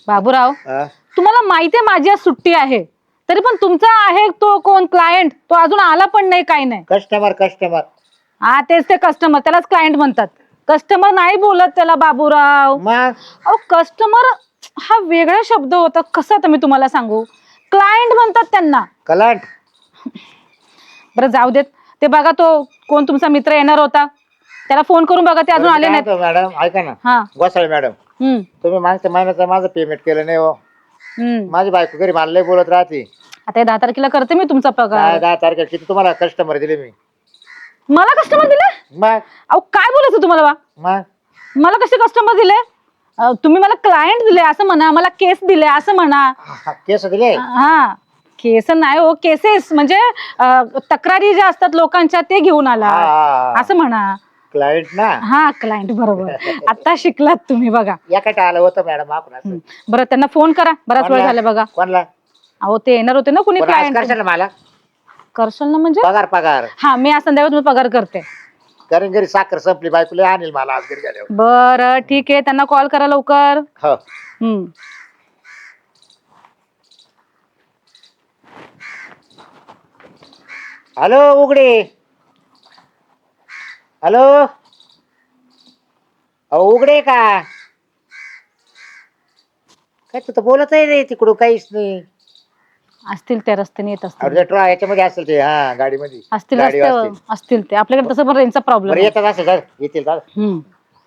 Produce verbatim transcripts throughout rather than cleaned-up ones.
बाबूराव हा? तुम्हाला माहितीये माझी आज सुट्टी आहे, तरी पण तुमचा आहे तो कोण क्लायंट, तो अजून आला पण नाही, काही नाही. कस्टमर कस्टमर हा तेच ते कस्टमर, त्यालाच क्लायंट म्हणतात. कस्टमर नाही बोलत त्याला बाबूराव. मग अहो कस्टमर हा वेगळा शब्द होता. कसं आता मी तुम्हाला सांगू, क्लायंट म्हणतात त्यांना. कलांट. बरं जाऊ देत. ते बघा तो कोण तुमचा मित्र येणार होता, त्याला फोन करून बघा, ते अजून आले नाहीत. मॅडम ऐका ना, हा गोसाळे मॅडम, हम्म तुम्ही मागच्या महिन्याचं माझं पेमेंट केलं नाही हो. हम्म माझी बायको घरी मला लय बोलत राहते. आता हे दहा तारखेला करते मी तुमचा काय पगार. दहा तारखेला किती तुम्हाला कस्टमर दिले मी? मला कस्टमर दिले? मग अहो काय बोलायचं तुम्हाला बा? मग मला कसे कस्टमर दिले? अ, तुम्ही मला क्लायंट दिले असं म्हणा, मला केस दिले असं म्हणा. हा, केस दिले? हा केस नाही हो, केसेस म्हणजे अ, तक्रारी ज्या असतात लोकांच्या ते घेऊन आला असं म्हणा. क्लायंट ना. हा क्लायंट बरोबर. आता शिकलात तुम्ही बघा. याकडे आलं होतं मॅडम आपण असं. हम्म. बरं त्यांना फोन करा, बराच वेळ झाला बघा. कोणला? अहो ते येणार होते ना कुणी पण आज क्लायंट. करशाल ना मला करशाल ना म्हणजे? पगार पगार हा मी आज संध्याकाळी तुम्ही पगार करते. कारण घरी साखर संपली, बायको लय आणेल मला आज घरी गेल्यावर. बरं ठीक आहे, त्यांना कॉल करा लवकर. हो. हम्म हॅलो उघडे. हॅलो अहो उघडे का? काय तू तर बोलत आहे रे तिकडून काहीच नाही. असतील त्या रस्त्याने येत असतील. अरे ट्रॉ याच्यामध्ये असेल ते, हा गाडीमध्ये असतील गाडी रस्त्यावर असतील ते. आपल्याकडे तसं पण रेंजचा बरं प्रॉब्लेम. येतात असेल सर, येतील दादा. हम्म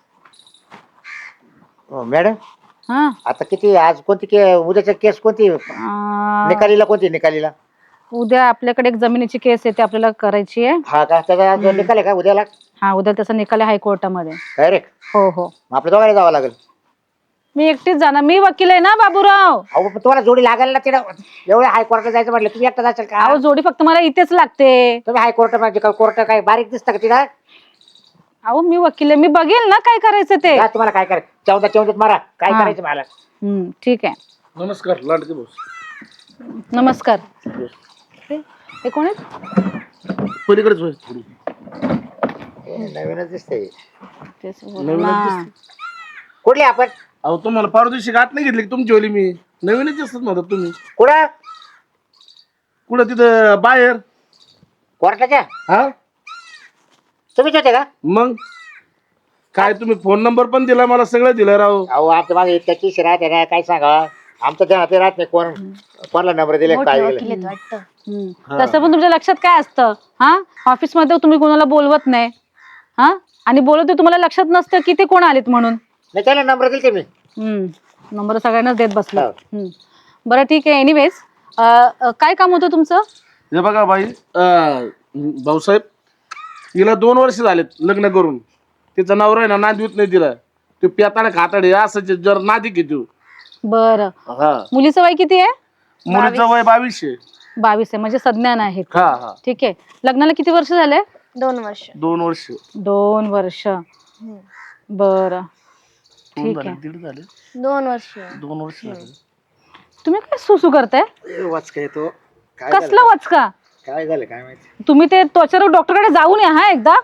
हो, मॅडम हा आता किती आज कोणती के उद्याच्या केस कोणती अं, निकालीला कोणती निकालीला? उद्या आपल्याकडे एक जमिनीची केस येते, आपल्याला करायची आहे. हा का त्याचा आज निकाल आहे का उद्याला? हा उद्या त्याचा निकाल आहे हायकोर्टामध्ये. डायरेक्ट? हो हो मग आपल्या दोघांना जावं लागेल. मी एकटीच जाणार, मी वकील आहे ना बाबूराव. अहो पण तुम्हाला जोडी लागेल ना तिला. एवढ्या हायकोर्टात जायचं म्हटलं तुम्ही एकटा जाशाल का? अहो जोडी फक्त मला इथेच लागते. तुम्ही हायकोर्ट म्हणजे का कोर्ट काय बारीक दिसतं का तिला? अहो मी वकील आहे, मी बघेल ना काय करायचं ते. का तुम्हाला काय करायचं? चौदा चौदात मारा, काय हा. करायचं मला? हम्म ठीक आहे. नमस्कार लाडके बोस. नमस्कार. हे हे कोण आहेत? पलीकडेच होय थोडी. हे नवीनच दिसतंय. तेच बोला नवीनच ना. कुठली आपण? अहो तुम्हाला परवा दिवशी गाठ नाही घेतली की तुमची ओली मी. नवीनच दिसतात म्हणतात तुम्ही. कुठं? कुठं तिथं बाहेर? कोर्टाच्या? हा तुम्हीच होते का? मग काय तुम्ही फोन नंबर पण दिला मला, सगळं दिलं राव. अहो आमच्या मागे इतक्या किस राहते ना, काय सांगा आमचं ध्यानात ते राहत नाही कोण कोणाला नंबर दिले काय दिले. हम्म. तसं पण तुमच्या लक्षात काय असतं हा? ऑफिस मध्ये तुम्ही कोणाला बोलवत नाही हा, आणि बोलवते तुम्हाला लक्षात नसतं की ते कोण आलेत म्हणून. नाही त्याला नंबर दिले मी. हम्म नंबर सगळ्यांनाच देत बसलो. हो. हम्म. बरं ठीक आहे. एनिवेज काय काम होतं तुमचं? हे बघा बाई, अं, भाऊसाहेब हिला दोन वर्ष झालेत लग्न करून. तिचा नवरा आहे ना नांदवीत नाही तिला. ते पेताना खाताडे असं जर नादी घेतो. बरं हा मुलीचं वय किती आहे? मुलीचं वय बावीसशे. बावीस आहे, म्हणजे संज्ञान आहे. हा हा ठीक आहे. लग्नाला किती वर्ष झाले? दोन वर्ष. दोन वर्ष. दोन वर्ष. बरं दोन ठीक झाले, आहे. दीड झाले. दोन वर्ष. दोन वर्ष झाले. तुम्ही काय सुसू करताय? वाचका येतो. काय कसला वचका? काय झालं काय माहिती? तुम्ही ते त्वचारोग डॉक्टरकडे जाऊन या हा एकदा.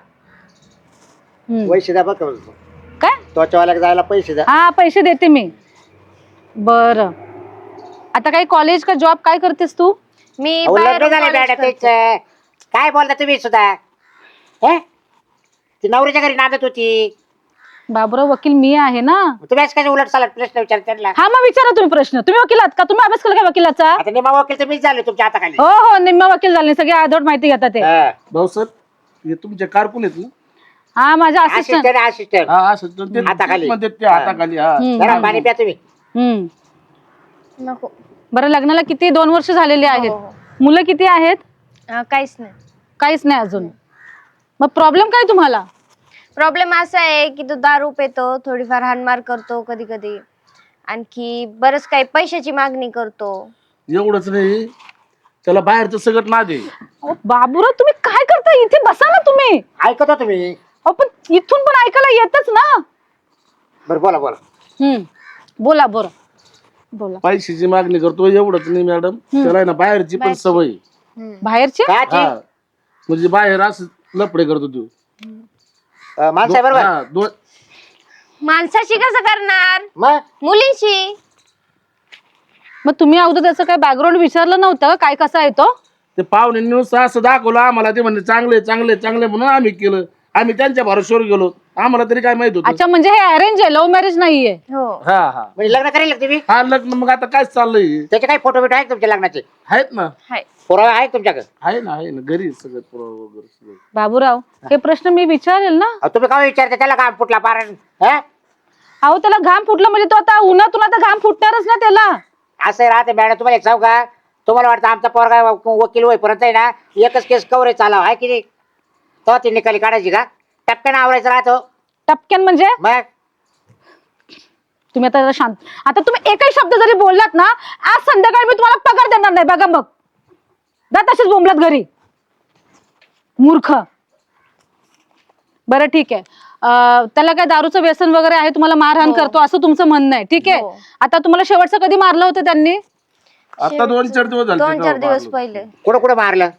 हम्म. पैसे द्या बघ. काय? त्वचावाल्याला जायला पैसे द्या. हा पैसे देते मी. बरं आता काही कॉलेज का जॉब काय करतेस तू? मी अहो, लग्न बाहेरून झालं college मॅडम करते. त्याच. काय बोलता तुम्ही सुद्धा? हे? ती नवऱ्याच्या घरी नांदत होती. बाबूराव वकील मी आहे ना. तुम्ही आज काय उलट सालट प्रश्न विचार त्यांना? हा मग विचारा तुम्ही प्रश्न. तुम्ही वकील आहात का? तुम्ही अभ्यास केला का वकिलाचा? आता निमा वकील तर मीच झाले तुमच्या हाताखाली. हो हो निम्मा वकील झाले, सगळे आधोड माहिती घेतात ते. हा. भाऊसाहेब हे तुमचे कारकून आहेत ना? हा माझा असिस्टंट. Assistant assistant. हा असं तर ते हाताखाली. म्हणतात ते हाताखाली. हा जरा पाणी प्या तुम्ही. हम्म नको. बरं लग्नाला किती दोन वर्ष झालेली आहेत? हो, हो. मुलं किती आहेत? अं, काहीच नाही. काहीच नाही अजून. मग प्रॉब्लेम काय तुम्हाला? प्रॉब्लेम असा आहे की तो दारू पितो, थोडीफार हाणमार करतो कधी कधी, आणखी बरंच काही पैशाची मागणी करतो. एवढंच नाही, त्याला बाहेरचं सगळं ना दे. अहो, बाबूराव तुम्ही काय करता इथे? बसा ना तुम्ही. ऐकता तुम्ही? अहो पण इथून पण ऐकायला येतच ना. बरं बोला बोला. हम्म बोला बरं बोला. पैशाची मागणी करतो एवढंच नाही मॅडम, त्याला आहे ना बाहेरची पण सवय. बाहेरचे? काची? हा म्हणजे बाहेर असं लफडे करतो तू. अं, माणसं आहे बरोबर. हा, दोन माणसाशी कसं करणार? मग मुलींशी. मग तुम्ही अगोदर त्याचं काय बॅकग्राऊंड विचारलं नव्हतं का? काय कसा आहे तो? ते पाहुणे नुसतं असं दाखवलं आम्हाला, ते म्हणजे चांगले चांगले चांगले म्हणून आम्ही केलं. आम्ही त्यांच्या भरोश्यावर गेलो, आम्हाला तरी काय माहित होतं. अच्छा, म्हणजे हे अरेंज आहे, लव्ह मॅरेज नाहीये. हो. हा हा म्हणजे लग्न करेल का तुम्ही? हा लग्न मग आता काय चाललंय? त्याचे काही फोटो बिटो आहेत तुमच्या लग्नाचे? आहेत ना, हाय. पुरावे आहेत तुमच्याकडे? आहे ना, आहे ना, घरी सगळं पुरावा वगैरे सगळं. बाबूराव, हे प्रश्न मी विचारेल ना. अहो, तुम्ही काय विचारता त्याला काम फुटला पार? हा? अहो, त्याला घाम फुटलं म्हणजे तो आता उन्हातून आता घाम फुटणारच ना त्याला. असं राहते मॅडम. तुम्हाला एक सांगू का, तुम्हाला वाटतं आमचा पोरगा वकील होईपर्यंत आहे ना एकच केस कवरेज चालाव आहे की नाही, तेव्हा ती निकाली काढायची का? टप्प्यानं आवरायचं राहतो टपक्यान म्हणजे मग. तुम्ही आता जरा शांत. आता तुम्ही एकही शब्द जरी बोललात ना, आज संध्याकाळी मी तुम्हाला पगार देणार नाही बघा. मग जा तशीच बोंबलात घरी, मूर्ख. बरं ठीक आहे. अं, त्याला काय दारूचं व्यसन वगैरे आहे, तुम्हाला मारहाण हो. करतो असं तुमचं म्हणणं आहे, ठीक आहे. हो. आता तुम्हाला शेवटचं कधी मारलं होतं त्यांनी? आता दोन चार दिवस झाले दोन तेव्हा चार दिवस मारलं. पहिले कुठं कुठं मारलं?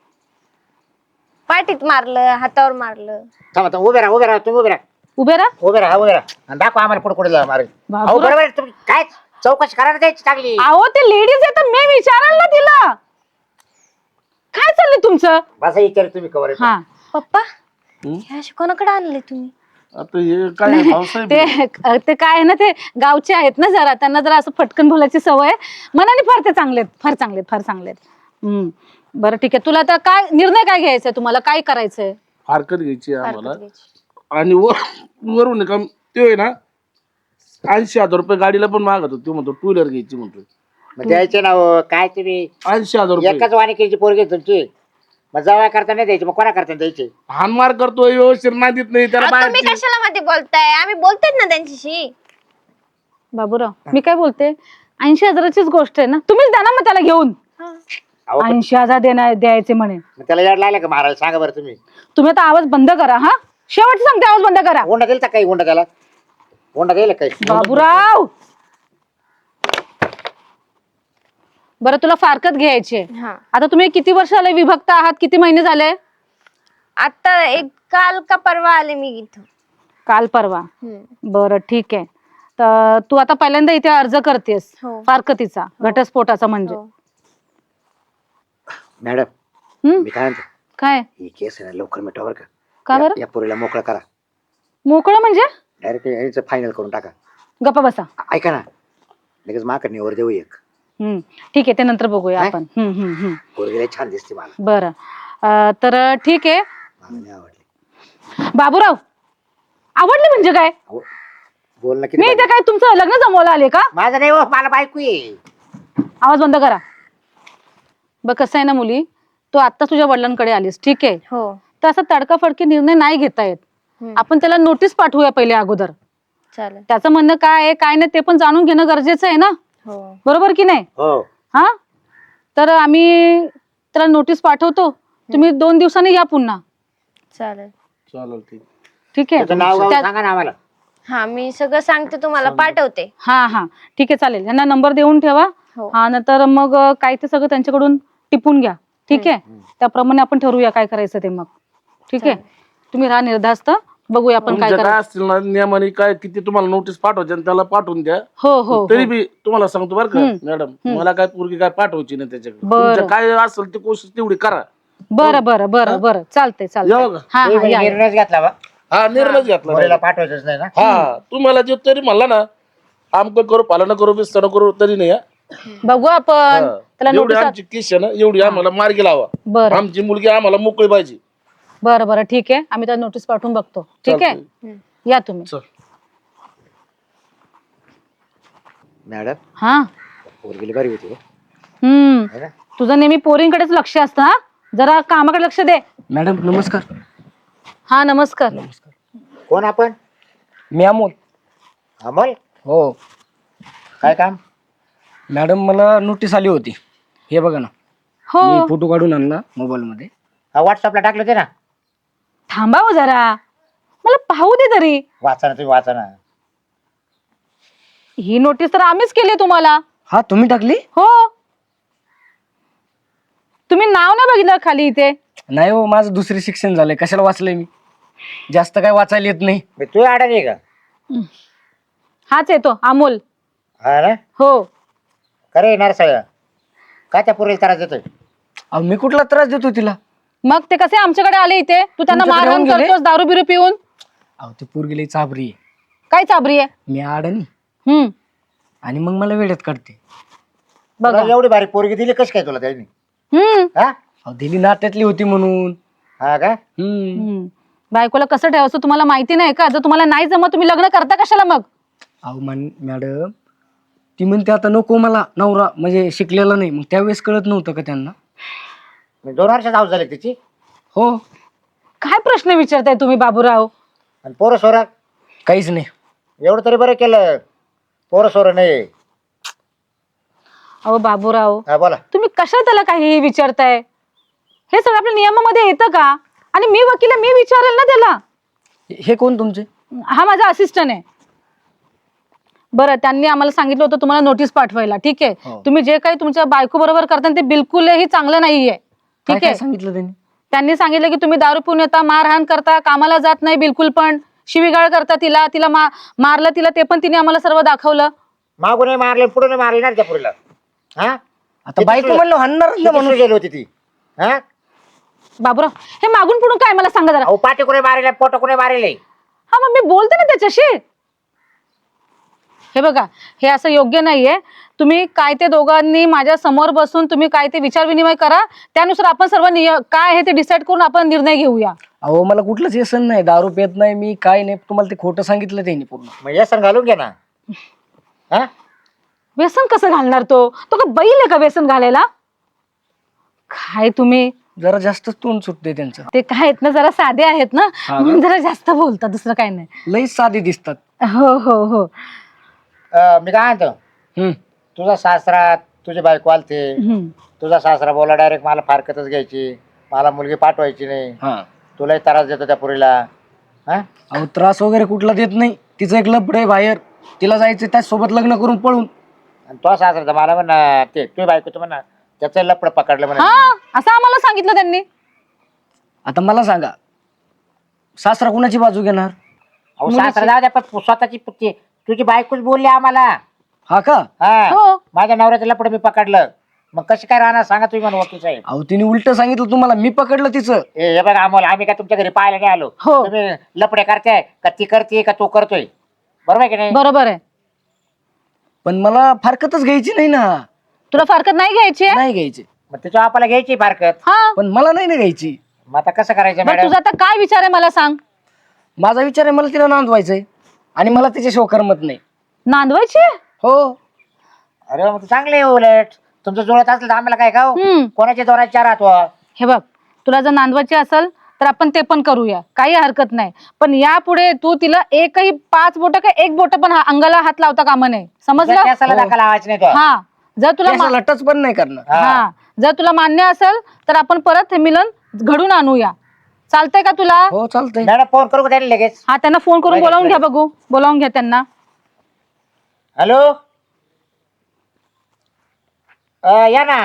पाठीत मारलं, हातावर मारलं. थांबा थांबा, उभे राहा उभे राहा तुम्ही, उभे राहा उभे राहा. उभे राहा उभे राहा आणि दाखवा आम्हाला कुठं कुठे मारे. अहो बाबूराव. बरोबर आहे, तुम्ही काय चौकशी करायला द्यायची चांगली. अहो, ते लेडीज आहे तर मी विचाराल ना तिला. काय चाललंय तुमचं? बसा विचार तुम्ही कवर आहे. हा, पप्पा, हं? हे असे कोणाकडे आणले तुम्ही? आता हे काय आहे, भाऊसाहेब? ते ते काय आहे ना, ते गावचे आहेत ना जरा, त्यांना जरा असं फटकन बोलायची सवय आहे. मनाने फार ते चांगलेत, फार चांगलेत, फार चांगलेत. हम्म, बरं ठीक आहे. तुला आता काय निर्णय काय घ्यायचाय, तुम्हाला काय करायचंय? फारकत घ्यायची आहे आम्हाला. फारकत घ्यायची. आणि वर- वरून का ते आहे ना, ऐंशी हजार रुपये गाडीला पण मागत होतो. म्हणतो टू व्हीलर घ्यायची म्हणतो. मग द्यायचे ना हो, काय तुम्ही ऐंशी हजार रुपये एकाच वानिकीची पोरगी आहे तुमची, मग जवळ करता नाही द्यायची, मग कोणा करता द्यायची? हानमार करतोय, व्यवस्थित नाही देत नाही त्याला अहो, तुम्ही बाहेरची. कशाला मध्ये बोलताय? आम्ही बोलतोय ना त्यांच्याशी. बाबूराव, मी काय बोलते, ऐंशी हजाराचीच गोष्ट आहे ना, तुम्हीच द्या ना मग त्याला घेऊन. अहो पण ऐंशी हजार देणार द्यायचे म्हणे. मग त्याला याड लागलं का मारायला? सांगा बरं तुम्ही. तुम्ही आता आवाज बंद करा. हा, शेवटचं सांगते, आवाज बंद करा. हुंडा दिला काही? हुंडा त्याला हुंडा दिला काही? बाबूराव, बरं तुला फारकत घ्यायची आहे. हा. आता तुम्ही किती वर्ष झाले विभक्त आहात? किती महिने झाले? आता एक काल का परवा आले मी इथं. काल परवा. हम्म. बरं ठीक आहे. तर तू आता पहिल्यांदा इथे अर्ज करतेस हो. फारकतीचा, घटस्फोटाचा म्हणजे. हो. मॅडम हम्म, मी काय म्हणतो, काय ही केस आहे ना लवकर मिटवा बरं का. का या- बरं? या पोरीला मोकळं करा, मोकळं म्हणजे? डायरेक्ट याचं फायनल करून टाका. गप्पा बसा. ऐका ना, लगेच माकड निवर देऊ एक. हम्म, ठीक आहे, ते नंतर बघूया काय? आपण. हम्म हम्म हम्म. पोरगी लय छान दिसते मला, बरं. अं, तर ठीक आहे. मला नाही आवडली. बाबूराव, आवडले म्हणजे काय? अहो, बोल ना किती मी इथे पाहिजे? काय तुमचं लग्न जमवलं आले का? माझं नाही हो, मला बायको आहे. आवाज बंद करा. बघ कसं आहे ना मुली, तू आता तुझ्या वडिलांकडे आलीस, ठीक आहे, हो. तर असा तडकाफडकी निर्णय नाही घेता येत. हम्म. आपण त्याला नोटीस पाठवूया पहिले अगोदर. चालेल. त्याचं म्हणणं काय आहे काय नाही ते पण जाणून घेणं गरजेचं आहे ना, हो. बरोबर की नाही? हो हा, तर आम्ही त्याला नोटीस पाठवतो. तुम्ही दोन दिवसांनी या पुन्हा, चालेल. चालेल ठीक. ठीक आहे? त्याचं नाव गाव त्या- सांगा ना आम्हाला. हा, मी सगळं सांगते तुम्हाला, पाठवते. हा हा ठीक आहे, चालेल. यांना नंबर देऊन ठेवा. हो. हा, नंतर मग अं, काय ते सगळं त्यांच्याकडून टिपून घ्या, ठीक आहे? त्याप्रमाणे आपण ठरवूया काय करायचं ते मग, ठीक आहे? तुम्ही राहा निर्धास्त, बघूया आपण काय तुमच्या काय करायचं. असतील ना नियमाने काय किती तुम्हाला नोटीस पाठवायची आणि त्याला पाठवून द्या. हो हो तरी हो. बी तुम्हाला सांगतो बरं का हम्म. मॅडम, मला काय पोरगी काय पाठवायची नाही त्याच्याकडे. बरं. तुमचं काय असेल ते कोशिश तेवढी करा. बरं बरं बरं बरं, चालतंय चालतंय. येऊ का? हा तुम्ही हा या, या. निर्णयच घेतला बा, हा निर्णय घेतला पोरीला direct. पाठवायचंच नाही ना. हा, तुम्हाला जे तरी म्हणला ना, आमक करू पालन करू बिस्तर करू तरी नाही हा. बघू आपण हा. त्याला जेवढी नोटीस. आमची केस आहे ना एवढी आम्हाला मार्गी लावा. बरं आमची मुलगी आम्हाला मोकळी पाहिजे. बरं बरं ठीक आहे, आम्ही त्याला नोटीस पाठवून बघतो, ठीक आहे? चालतंय. या तुम्ही. चल. मॅडम हा, पोरगीला बरी होती हो. हम्म, है ना? तुझं नेहमी पोरींकडेच लक्ष असतं. हा, जरा कामाकडे लक्ष दे. मॅडम नमस्कार. हा नमस्कार. कोण आपण? मी अमोल. अमोल, हो काय काम? मॅडम, मला नोटीस आली होती, हे बघा ना. हो, मी फोटो काढून आणला मोबाईल मध्ये. व्हॉट्सअपला टाकलं ते ना, थांबा हो जरा, मला पाहू दे तरी. वाचा ना तुम्ही, वाचा ना. ही नोटीस तर आम्हीच केली तुम्हाला. हा, तुम्ही टाकली? हो, तुम्ही नाव नाही बघितलं खाली इथे? नाही हो, माझं दुसरे शिक्षण झालंय, कशाला वाचलंय मी? जास्त काय वाचायला येत नाही. मी तू अडाणी का? हाच येतो अमोल. हा ना, हो, खरे नरसाळ काय त्या पोरीला त्रास देतोय? अहो मी कुठला त्रास देतो तिला? मग ते कसे आमच्याकडे आले इथे? तू त्यांना तुमच्याकडे मारहाण येऊन गेले? करतोस दारू बिरू पिऊन? अहो ती पोरगी लई चाबरी आहे. काय चाबरी आहे? मी अडणी हम्म आणि मग मला वेळेत काढते. बघा. तुला एवढी भारी पोरगी दिली कशी काय तुला त्यांनी? हम्म हा अहो दिली नात्यातली होती म्हणून. हा का? हम्म हम्म. बायकोला कसं ठेवायचं तुम्हाला माहिती नाही का? जर तुम्हाला नाही जमत तुम्ही लग्न करता कशाला मग? अहो मान मॅडम ती म्हणते आता नको मला नवरा म्हणजे शिकलेला नाही. मग त्यावेळेस कळत नव्हतं का त्यांना? म्हणजे दोन वर्षात हाऊस झाली तिची हो काय प्रश्न विचारताय तुम्ही बाबूराव? आणि पोरं सोरा काहीच नाही. एवढं तरी बरं केलं. पोरं सोरं नाही. अहो बाबूराव हा बोला. तुम्ही कशा त्याला काही विचारताय? हे सगळं आपल्या नियमामध्ये येतं का? आणि मी वकील आहे, मी विचारेल ना त्याला. हे कोण तुमचे? हा माझा असिस्टंट आहे. बरं त्यांनी आम्हाला सांगितलं होतं तुम्हाला नोटीस पाठवायला. ठीक आहे हो. तुम्ही जे काही तुमच्या बायको बरोबर करता ते बिलकुलही चांगलं नाहीये. काय ठीक काय आहे सांगितलं त्यांनी? त्यांनी सांगितलं की तुम्ही दारू पिऊन येता, मारहाण करता, कामाला जात नाही बिलकुल पण, शिवीगाळ करता तिला, तिला मा मारलं तिला ते पण तिने आम्हाला सर्व दाखवलं. मागून मारले पुढे मारले ना त्या पोरीला. हा आता बायको म्हणलं हाणणार ना म्हणून. गेली होती ती. हा बाबूराव हे मागून पुढून काय मला सांगा जरा. अहो पाठी कुठे मारेल पोट कुठे मारेल? हा मग मी बोलते ना त्याच्याशी. हे बघा हे असं योग्य नाहीये. तुम्ही काय ते दोघांनी माझ्या समोर बसून तुम्ही काय ते विचार विनिमय करा. त्यानुसार आपण सर्व नियम काय आहे ते डिसाईड करून आपण निर्णय घेऊया. अहो मला कुठलंच व्यसन नाही. दारू पित नाही मी, काय नाही. तुम्हाला ते खोटं सांगितलं त्यांनी पूर्ण. मग व्यसन घालून घे ना. हा व्यसन कसं घालणार तो? तो का बैल आहे का व्यसन घालायला? काय तुम्ही जरा जास्तच तोंड सुटते त्यांचं. ते काय आहेत ना जरा साधे आहेत ना हा म्हणून जरा जास्त बोलतात, दुसरं काही नाही. लई साधे दिसतात. हो हो हो अं, मी काय म्हणतो हम्म तुझा सासरा तुझी बायको आलते. हम्म. तुझा सासरा बोला डायरेक्ट मला फारकतच घ्यायची, मला मुलगी पाठवायची नाही, हा. तुलाही त्रास देतो त्या पोरीला. हा अहो त्रास वगैरे कुठला देत नाही. तिचं एक लपड आहे बाहेर, तिला जायचं त्याचसोबत लग्न करून पळून. आणि तो सासरा तर मला म्हणा ते तुझी बायको तर म्हणा त्याचं लपड पकडलं म्हणा. हा असं आम्हाला सांगितलं त्यांनी. आता मला सांगा सासरा कुणाची बाजू घेणार? अहो सासरा जाऊ द्या पण स्वतःची पुती तुझी बायकोच बोलली आम्हाला. हा का? हा हो. माझ्या नवऱ्याचं लपड मी पकडलं. मग कशी काय राहणार सांगा तुम्ही म्हणून वकील साहेब. अहो तिने उलट सांगितलं तुम्हाला, मी पकडलं तिचं. ए हे बघा आम्हाला आम्ही काय तुमच्या घरी पाहायला नाही आलो. हो. तुम्ही लपडे करताय का ती करते का तो करतोय? बरोबर आहे की नाही? बरोबर आहे. पण मला फारकतच घ्यायची नाही ना. तुला फारकत नाही घ्यायची आहे? नाही घ्यायची. मग तिच्या बापाला घ्यायची फारकत. हा पण मला नाही ना घ्यायची. मग आता कसं करायचं बरं मॅडम? तुझा आता काय विचार आहे मला सांग. माझा विचार आहे मला तिला नांदवायचंय आणि मला तिच्याशिवाय करमत नाही. नांदवायची? हो. अरे मग चांगले आहे उलट. तुमचं जुळत असलं तर आम्हाला काय खाऊ? हम्म. कोणाच्या दोराच्या चार राहतो? हे बघ तुला जर नांदवायची असेल तर आपण ते पण करूया, काही हरकत नाही. पण यापुढे तू तिला एकही पाच बोट का एक बोट पण हा- अंगाला हात लावता कामा नाही, समजलं? केसाला हो. धक्का लावायचा नाही तो. हा जर तुला मा- केसाला टच पण नाही करणार. हा. हा जर तुला मान्य असेल तर आपण परत हे मिलन घडून आणूया. चालतंय का तुला? हो चालतंय. मॅडम फोन करू का त्याला लगेच? हा त्यांना फोन करून लगेच, बोलावून घ्या, लगेच. बघू बोलावून घ्या त्यांना. हॅलो अं, या ना.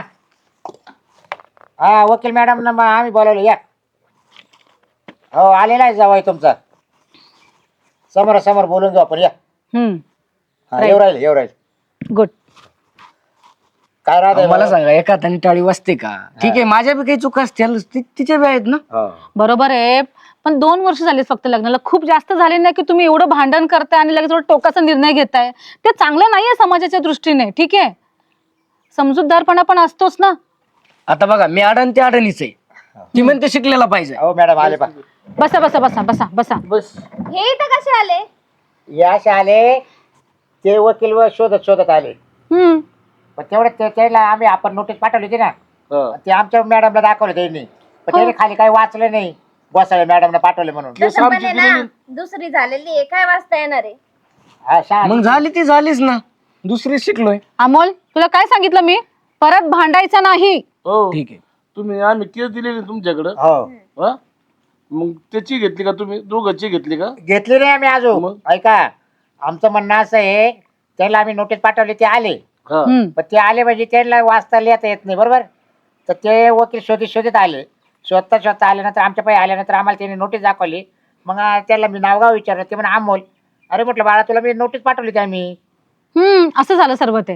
हा वकील मॅडम ना मग आम्ही बोलावलं या. हो आलेला आहे जावाई तुमचा. समोर समोर बोलून घेऊ आपण या. हम्म हा, Right. येऊ राहील येऊ राहील. गुड. काय राहत अहो, मला सांगा एका हाताने टाळी वाजते का? ठीक आहे माझ्या बी काही चुका असतील, ति- तिच्या बी आहेत ना. बरोबर आहे पण दोन वर्ष झालीत फक्त लग्नाला, खूप जास्त झाले नाही की तुम्ही एवढं भांडण करताय आणि लगेच एवढं टोकाचा निर्णय घेताय. ते चांगलं नाहीये समाजाच्या दृष्टीने. ठीक आहे समजूतदारपणा पण असतोच ना. आता बघा मी अडण ते अडणीच आहे. ती म्हणते शिकलेला पाहिजे. हो मॅडम आले पा. बसा बसा बसा बसा बसा. बस. हे इथं कसे आले? याश आले ते वकील व शोधत शोधत आले. हम्म पण तेवढं ते- त्याला आम्ही आपण नोटीस पाठवली होती ना, हा. ते आमच्या मॅडमला दाखवलं त्यांनी. पण त्याने खाली काही वाचलं नाही. गोसाळे मॅडमला पाठवले म्हणून. केस तसं आमची पण आहे दिलेली. ना, दुसरी झालेली आहे, काय वाचता येणार आहे? हा शहा मग झाली ती झालीच ना, दुसरी शिकलोय. अमोल तुला काय सांगितलं मी, परत भांडायचं नाही. हो ठीक आहे. तुम्ही आम्ही केस दिलेली तुमच्याकडं. हो हा मग त्याची घेतली का तुम्ही? दोघांची घेतली का? घेतली नाही आम्ही अजून. मग? ऐका आमचं म्हणणं असं आहे त्याला आम्ही नोटीस पाठवली ते आले. हा. हम्म पण ते आले म्हणजे त्यांना वाचता लिहिता येत नाही बरोबर. तर ते वकील शोधित शोधित आले. शोधता शोधता आल्यानंतर आमच्या पायी आल्यानंतर आम्हाला त्यांनी नोटीस दाखवली. मग त्याला मी नावगाव विचारलं. ते म्हणा अमोल. अरे म्हटलं बाळा तुला मी नोटीस पाठवली होती आम्ही. हम्म असं झालं सर्व ते.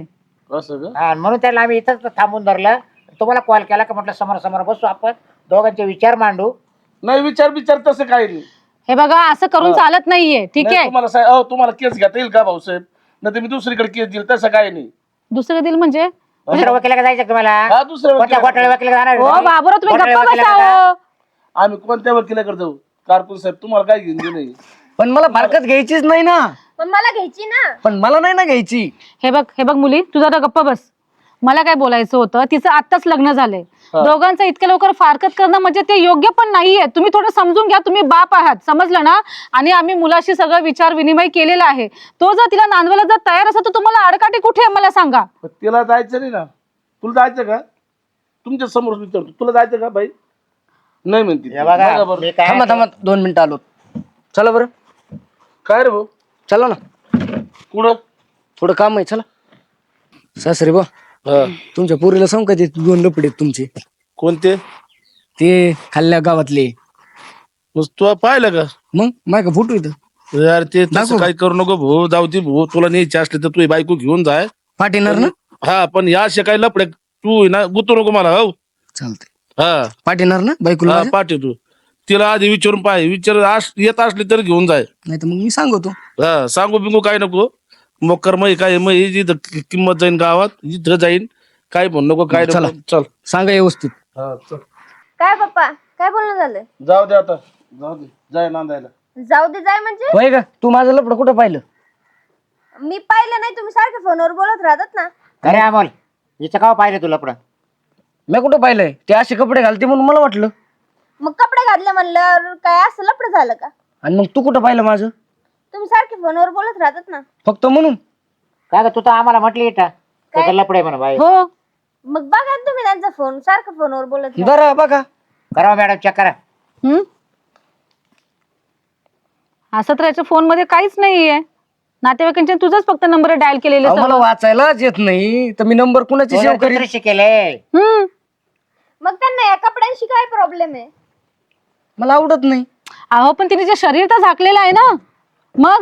असं का? हा, म्हणून त्याला आम्ही इथंच थांबून धरलं. तुम्हाला कॉल केला का म्हटलं समोर समोर बसू आपण दोघांचे विचार मांडू. नाही विचार विचार तसं काही नाही. हे बघा असं करून चालत नाहीये, ठीक नाही, आहे. तुम्हाला सा- अहो, तुम्हाला केस घेता येईल का भाऊसाहेब? नाही तर मी दुसरीकडे केस देईल, तसं काही नाही. दुसरं दिल म्हणजे दुसऱ्या वकिला जायचं का तुम्हाला? हा दुसऱ्या कोणत्या वकिला- घोटाळे वकिला जाणार ओ बाबूराव तुम्ही घोटाळे गप्पा वकिलाकडे बसावं. आम्ही कोणत्या वकिलाकडे जाऊ? कारकून साहेब तुम्हाला काय घेऊन नाही. पण मला फारकत घ्यायचीच नाही ना. पण मला घ्यायची ना. पण मला नाही ना घ्यायची. हे बघ हे बघ मुली, तुझा आता गप्पा बस. मला काय बोलायचं होतं, तिचं आत्ताच लग्न झालंय. हा. दोघांचं इतक्या लवकर फारकत करणं म्हणजे ते योग्य पण नाहीये. तुम्ही थोडं समजून घ्या, तुम्ही बाप आहात, समजलं ना. आणि आम्ही मुलाशी सगळं विचार विनिमय केलेला आहे. तो जर तिला नांदवायला जर तयार असेल तर तुम्हाला अडकाठी कुठे आहे मला सांगा. पण तिला जायचं नाही ना. तुला जायचं का? तुमच्या समोर विचारतो, तुला जायचं का बाई? नाही म्हणते ती. हे बघा, बघा बरं. मी काय थांबा थांबा दोन मिनिटं आलो. चला बरं. काय रे भाऊ? चला ना, कुठं? थोडं काम आहे. चला. सासरे बा, हा. तुमच्या पोरीला सांग का ते दोन लपडे आहेत तुमचे, कोणते? ते खाल्ल्या गावातले. मग तू पाहिलं का? मग माय का फोटो इथं यार ते तसं दाखव. काही करू नको भाऊ. जाऊ दे भाऊ, तुला न्यायची असली तर तू बायको घेऊन जाय. पाठीणार ना. हा पण या असे काही लपडे तू आहे ना गुतू नको मला. हो चालतंय. हा पाठीणार ना बायकोला हा, माझ्या? पाठी तू तिला आधी विचारून पाय. विचार आस- येत असली तर घेऊन जाय. नाही तर मग मी सांगतो. हा सांगू बिंगू काय नको. मोकर मग काय मग जिथं कि- किंमत जाईन गावात जिथं जाईन. काय म्हणू नको काय चला. नको. चल सांगा व्यवस्थित. हा चल. काय पप्पा काय बोलणं झालं? जाऊ दे आता. जाऊ दे जाय नांदायला. जाऊ दे जाय म्हणजे? होय का? तू माझं लपडं कुठं पाहिलं? मी पाहिलं नाही, तुम्ही सारखे फोनवर बोलत राहतात ना. खरे अमोल हिचं का पाहिलं तुला पुढं? मी कुठं पाहिलंय? ते असे कपडे घालते म्हणून मला वाटलं. मग कपडे घातले म्हणलं काय असं लपड झालं का? आणि मग तू कुठं पाहिलं माझं? तुम्ही सारखे फोनवर बोलत राहतात ना. फक्त म्हणून? काय ग तू तर आम्हाला म्हटली इथं त्याचं लपडे म्हणा बाई. हो मग बघा ना तुम्ही त्यांचा फोन, सारखं फोनवर बोलत राहतात. बरं बघा. करा मॅडम चेक करा. हम्म असं तर याच्या फोन मध्ये काहीच नाहीये. नातेवाईकांचे तुझाच फक्त नंबर डायल केलेले अहो, मला सर्व. वाचायलाच येत नाही तर मी नंबर कुणाची सेव्ह करीन? शिकेले हम्म मग त्यांना या कपड्यांशी काय प्रॉब्लेम आहे? मला आवडत नाही. अहो पण तिने जे शरीर तर झाकलेलं आहे ना. मग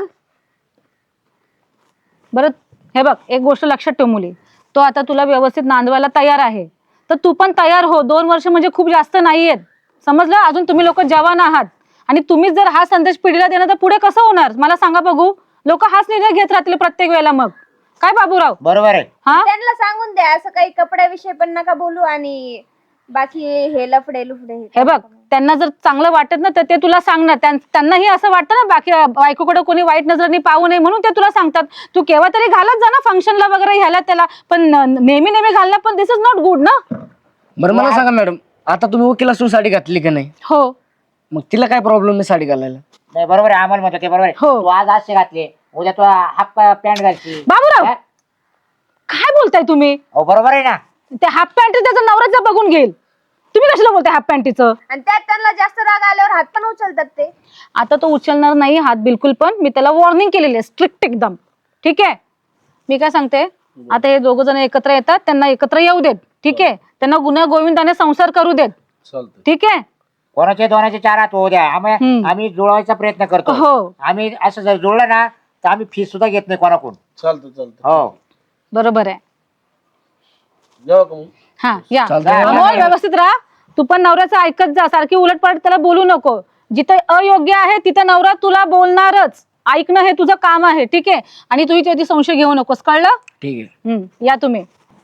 बरं हे बघ, एक गोष्ट लक्षात ठेव मुली, तो आता तुला व्यवस्थित नांदवायला तयार आहे तर तू पण तयार हो. दोन वर्ष म्हणजे खूप जास्त नाहीयेत, समजलं. अजून तुम्ही लोक जवान आहात आणि तुम्हीच जर हा संदेश पिढीला देणार तर पुढे कसं होणार मला सांगा बघू. लोक हाच निर्णय घेत राहतील प्रत्येक वेळेला. मग काय बाबूराव? बरोबर आहे. हा त्यांना सांगून द्या असं काही कपड्याविषयी पण नका बोलू आणि बाकी हे लफडे लुफडे हे बघ, त्यांना जर चांगलं वाटत ना तर ते तुला सांगणार. त्यां- त्यांनाही असं वाटतं ना बाकी बायकोकडे कोणी वाईट नजरेने पाहू नये म्हणून ते तुला सांगतात. तू केव्हा तरी घालत जा ना फंक्शनला वगैरे ह्याला त्याला, पण नेहमी नेहमी घालणं पण दिस इज नॉट गुड ना. बरं मला सांगा मॅडम, आता तुम्ही वकील असून साडी घातली का नाही? हो मग तिला काय प्रॉब्लेम आहे साडी घालायला? नाही बरोबर आहे अमोल म्हणतो ते बरोबर आहे. हो. तू आज असे घातले उद्या तू हाफ पॅन्ट घालची. बाबूराव हा? काय बोलताय तुम्ही? हो बरोबर आहे ना. ते हाफ पॅन्ट त्याचा नवराच बघून घेईल. तुम्ही कशाला बोलताय हाफ पॅन्टीचं? आणि त्यात त्यांना जास्त राग आल्यावर हात पण उचलतात ते. आता तो उचलणार नाही हात बिलकुल पण. मी त्याला वॉर्निंग केलेली आहे स्ट्रिक्ट एकदम. ठीक आहे, मी काय सांगते, आता हे दोघ जण एकत्र येतात, त्यांना एकत्र येऊ देत. ठीक आहे, त्यांना गुन्हा गोविंदाने संसार करू देत. चालतंय. ठीक आहे. कोणाचे दोनाचे चार हात होऊ द्या. आम्ही हम्म. आम्ही जुळवायचा प्रयत्न करतो. हो. आम्ही असं जर जुळलं ना तर आम्ही फीस सुद्धा घेत नाही कोणाकडून. चालतं चालतं. हो बरोबर आहे. जाऊ का मग? हा या चालतंय. अमोल, व्यवस्थित राहा. तू पण नवऱ्याचं ऐकत जा, सारखी उलटपालट त्याला बोलू नको. जिथं अयोग्य आहे तिथं नवरा तुला बोलणारच. ऐकणं हे तुझं काम आहे. ठीक आहे, आणि तू त्याची संशय घेऊ नकोस, कळलं? ठीक आहे. हम्म या तुम्ही.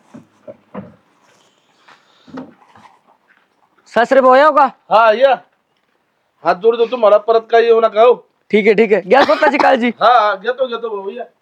सासरे भाऊ येऊ का? हा या. हात जोडतो तुम्हाला, परत काही येऊ नका. हो ठीक आहे ठीक आहे, घ्या स्वतःची काळजी. हा घेतो घेतो भाऊ या.